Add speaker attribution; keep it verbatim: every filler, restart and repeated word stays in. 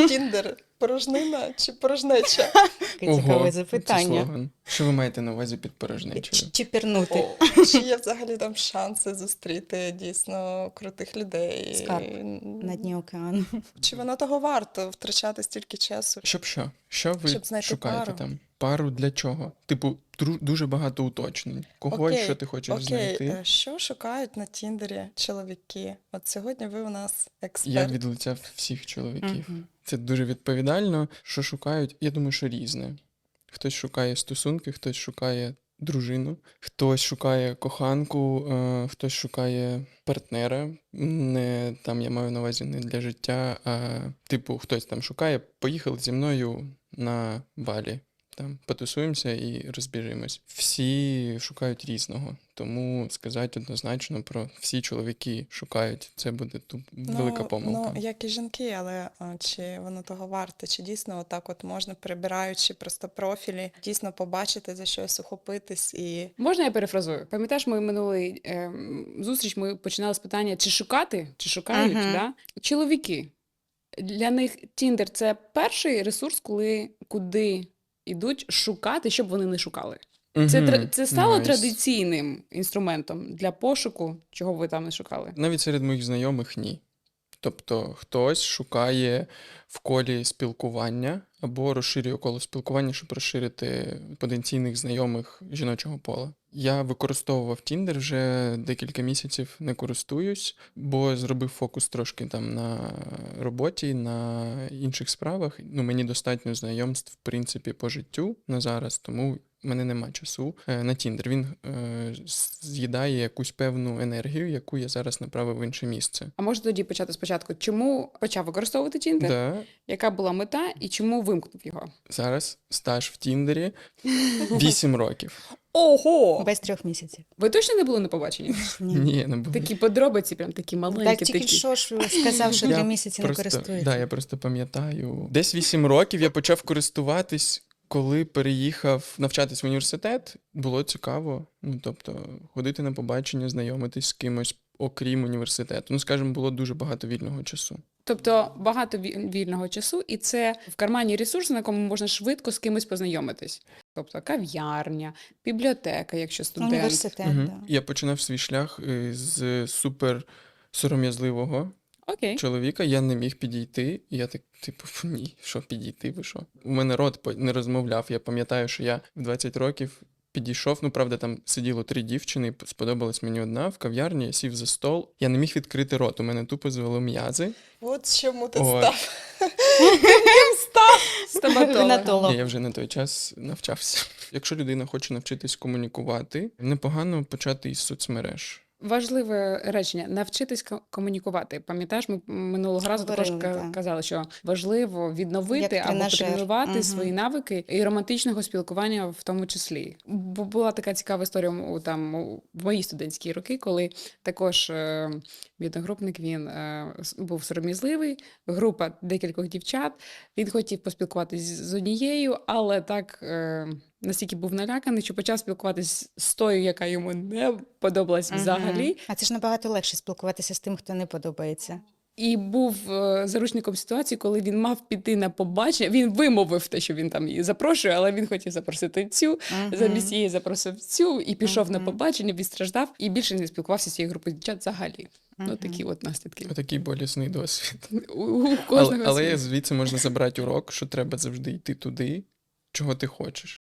Speaker 1: Тіндер порожнина чи порожнеча?
Speaker 2: Цікаве
Speaker 3: це
Speaker 2: запитання.
Speaker 3: слоган. Що ви маєте на увазі під порожнечею?
Speaker 2: Чи пірнути?
Speaker 1: О, чи є взагалі там шанси зустріти дійсно крутих людей?
Speaker 2: Скарб на дні океану.
Speaker 1: Чи воно того варто втрачати стільки часу?
Speaker 3: Щоб що? Що ви
Speaker 1: Щоб знайти
Speaker 3: шукаєте
Speaker 1: пару.
Speaker 3: там? Пару для чого? Типу, дру- дуже багато уточнень. Кого і що ти хочеш
Speaker 1: окей.
Speaker 3: знайти?
Speaker 1: е, Що шукають на Тіндері чоловіки? От сьогодні ви у нас експерт.
Speaker 3: Я від лиця всіх чоловіків.
Speaker 2: Мгм.
Speaker 3: Це дуже відповідально. Що шукають? Я думаю, що різне. Хтось шукає стосунки, хтось шукає дружину, хтось шукає коханку, е, хтось шукає партнера. Не там я маю на увазі не для життя, а типу, хтось там шукає, поїхали зі мною на Балі. Там потусуємося і розбіжимось. Всі шукають різного, тому сказати однозначно про всі чоловіки шукають, це буде тут велика помилка.
Speaker 1: Ну, як і жінки, але а, чи воно того варте? Чи дійсно отак от можна, перебираючи просто профілі, дійсно побачити, за щось ухопитись і...
Speaker 4: Можна я перефразую? Пам'ятаєш, ми минулий ем, зустріч ми починали з питання, чи шукати, чи шукають,
Speaker 2: Мгм.
Speaker 4: да? Чоловіки. Для них Тіндер – це перший ресурс, коли, куди йдуть шукати, щоб вони не шукали. Це,
Speaker 3: Мгм.
Speaker 4: тра- це стало
Speaker 3: Найс.
Speaker 4: традиційним інструментом для пошуку, чого ви там не шукали.
Speaker 3: Навіть серед моїх знайомих ні. Тобто хтось шукає в колі спілкування або розширює коло спілкування, щоб розширити потенційних знайомих жіночого пола. Я використовував Tinder вже декілька місяців, не користуюсь, бо зробив фокус трошки там на роботі, на інших справах. Ну, мені достатньо знайомств, в принципі, по життю на зараз, тому в мене нема часу е, на Tinder. Він е, з'їдає якусь певну енергію, яку я зараз направив в інше місце.
Speaker 4: А може тоді почати спочатку? Чому почав використовувати Тіндер?
Speaker 3: Да,
Speaker 4: Яка була мета і чому вимкнув його?
Speaker 3: зараз стаж в Тіндері вісім років.
Speaker 4: Ого!
Speaker 2: Без трьох місяців.
Speaker 4: Ви точно не були на побаченні?
Speaker 2: Ні.
Speaker 3: Ні, не було.
Speaker 4: Такі подробиці, прям такі
Speaker 2: Так
Speaker 4: маленькі.
Speaker 2: тільки
Speaker 4: такі.
Speaker 2: що ж сказав, що
Speaker 3: Я
Speaker 2: три місяці не
Speaker 3: просто,
Speaker 2: користується.
Speaker 3: да, я просто пам'ятаю. Десь вісім років я почав користуватись, коли переїхав навчатись в університет. Було цікаво. Ну, тобто, ходити на побачення, знайомитись з кимось, окрім університету. Ну, скажімо, було дуже багато вільного часу.
Speaker 4: Тобто багато ві- вільного часу, і це в кармані ресурс, на якому можна швидко з кимось познайомитись. Тобто кав'ярня, бібліотека, якщо студент.
Speaker 2: Університет,
Speaker 3: Мгм.
Speaker 2: да.
Speaker 3: Я починав свій шлях е, з супер сором'язливого
Speaker 4: Окей.
Speaker 3: чоловіка, я не міг підійти. І я так, типу, «Фу, ні, що підійти, ви що? У мене рот по- не розмовляв. Я пам'ятаю, що я в двадцять років підійшов. Ну, правда, там сиділо три дівчини, сподобалась мені одна в кав'ярні, я сів за стол. Я не міг відкрити рот, у мене тупо звело м'язи.
Speaker 1: От чому ти
Speaker 3: От.
Speaker 1: став.
Speaker 4: Стоматолог.
Speaker 2: Гінеколог.
Speaker 3: Ні, я вже на той час навчався. Якщо людина хоче навчитись комунікувати, непогано почати із соцмереж.
Speaker 4: Важливе речення навчитись ко- комунікувати. Пам'ятаєш, ми минулого разу також
Speaker 2: Говорили,
Speaker 4: ка-
Speaker 2: так.
Speaker 4: казали, що важливо відновити
Speaker 2: Як
Speaker 4: або
Speaker 2: тренажер.
Speaker 4: тренувати
Speaker 2: Мгм.
Speaker 4: свої навики і романтичного спілкування в тому числі. Бо була така цікава історія у там у- в мої студентські роки, коли також е, мій одногрупник він е, с- був сором'язливий, група декількох дівчат. Він хотів поспілкуватись з однією, але так. Е, Настільки був наляканий, що почав спілкуватись з тою, яка йому не подобалась
Speaker 2: Мгм.
Speaker 4: взагалі.
Speaker 2: А це ж набагато легше спілкуватися з тим, хто не подобається.
Speaker 4: І був е, заручником ситуації, коли він мав піти на побачення. Він вимовив те, що він там її запрошує, але він хотів запросити цю.
Speaker 2: Мгм.
Speaker 4: Замість її запросив цю і пішов на
Speaker 2: Мгм.
Speaker 4: побачення, відстраждав і більше не спілкувався з цією групою дівчат взагалі. Ну
Speaker 2: Мгм.
Speaker 4: такі от наслідки.
Speaker 3: Отакий болісний досвід.
Speaker 4: У, у кожного
Speaker 3: Але, але
Speaker 4: свій.
Speaker 3: звідси можна забрати урок, що треба завжди йти туди, чого ти хочеш.